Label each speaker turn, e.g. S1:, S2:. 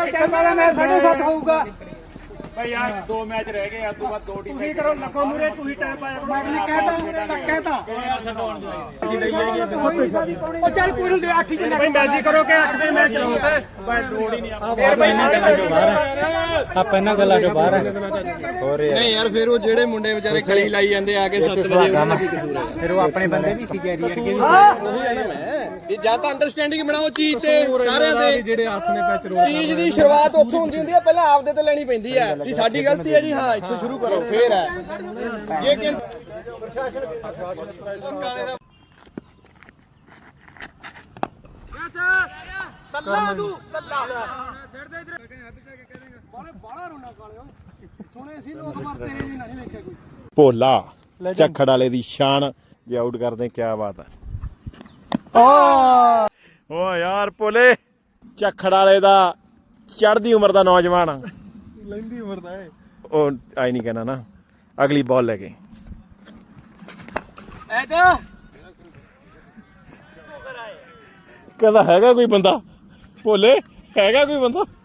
S1: ਵਾਲਾ ਮੈਚ 7:30 ਹੋਊਗਾ
S2: ਭਾਈ ਯਾਰ 2 ਮੈਚ ਰਹਿ ਗਏ ਆ ਤੋਂ ਬਾਅਦ 2 ਟੀਮਾਂ
S3: ਤੁਸੀਂ ਕਰੋ ਲੱਖੋ ਮੂਰੇ ਤੁਸੀਂ ਟਾਈਮ ਪਾਇਆ ਕਰੋ
S1: ਮੈਂ ਕਹਿਤਾ
S3: ਉਹ ਚੱਲ ਕੋਈ ਨੂੰ 8 ਹੀ ਭਾਈ ਮੈਚ ਕਰੋ ਕਿ 8 ਦੇ ਮੈਚ ਰਹੋ
S2: ਭਾਈ ਲੋੜ ਹੀ ਨਹੀਂ
S3: ਫੇਰ ਭਾਈ
S4: ਆਪਾਂ ਇਹਨਾਂ ਗੱਲਾਂ ਚੋਂ ਬਾਹਰ ਹੈ
S5: ਨਹੀਂ ਯਾਰ ਫਿਰ ਉਹ ਜਿਹੜੇ ਮੁੰਡੇ ਵਿਚਾਰੇ ਕਲੀ ਲਾਈ ਜਾਂਦੇ ਆ ਕੇ 7 ਵਜੇ ਉਹਨਾਂ ਦਾ ਕੀ ਕਸੂਰ ਹੈ
S4: ਫਿਰ ਉਹ ਆਪਣੇ ਬੰਦੇ ਵੀ ਸੀ ਕੈਰੀਅਰ ਕੇ
S5: ਉਹੀ ਹੈ ਨਾ ਮੈਂ ਇਹ ਜਾਂ ਤਾਂ ਅੰਡਰਸਟੈਂਡਿੰਗ ਬਣਾਓ ਚੀਜ਼ ਤੇ ਸਾਰਿਆਂ ਦੇ
S4: ਜਿਹੜੇ ਹੱਥ ਨੇ ਪੈਚ ਰੋਕ
S5: ਚੀਜ਼ ਦੀ ਸ਼ੁਰੂਆਤ ਉੱਥੋਂ ਹੁੰਦੀ ਹੁੰਦੀ ਹੈ ਪਹਿਲਾਂ ਆਪਦੇ ਤੇ ਲੈਣੀ ਪੈਂਦੀ ਹੈ ਵੀ ਸਾਡੀ ਗਲਤੀ ਹੈ ਜੀ ਹਾਂ ਇੱਥੋਂ ਸ਼ੁਰੂ ਕਰੋ ਫੇਰ ਹੈ ਜੇ ਕਿ
S3: ਤੱਲਾ ਤੂੰ ਤੱਲਾ ਸਿਰ ਦੇ ਇਧਰ ਬਾਹਲਾ ਰੋਣਾ ਕਾਲਿਓ ਸੁਣੇ ਸੀ ਲੋਕ ਮਰ ਤੇਰੇ ਜੀ ਨਹੀਂ ਵੇਖਿਆ ਕੋਈ
S6: ਭੋਲਾ ਝੱਖੜ ਵਾਲੇ ਦੀ ਸ਼ਾਨ ਜੇ ਆਊਟ ਕਰਦੇ ਕੀ ਬਾਤ ਹੈ ਓ ਯਾਰ ਭੋਲੇ ਝੱਖੜ ਵਾਲੇ ਦਾ ਚੜ੍ਹਦੀ ਉਮਰ ਦਾ ਨੌਜਵਾਨ
S4: ਲੈਂਦੀ ਉਮਰ ਦਾ ਹੈ
S6: ਉਹ ਆਈ ਨਹੀਂ ਕਹਿਣਾ ਨਾ ਅਗਲੀ ਬਾਲ ਲੈ ਕੇ
S5: ਐ ਜਾ
S6: ਕਹਿੰਦਾ ਹੈਗਾ ਕੋਈ ਬੰਦਾ ਭੋਲੇ ਹੈਗਾ ਕੋਈ ਬੰਦਾ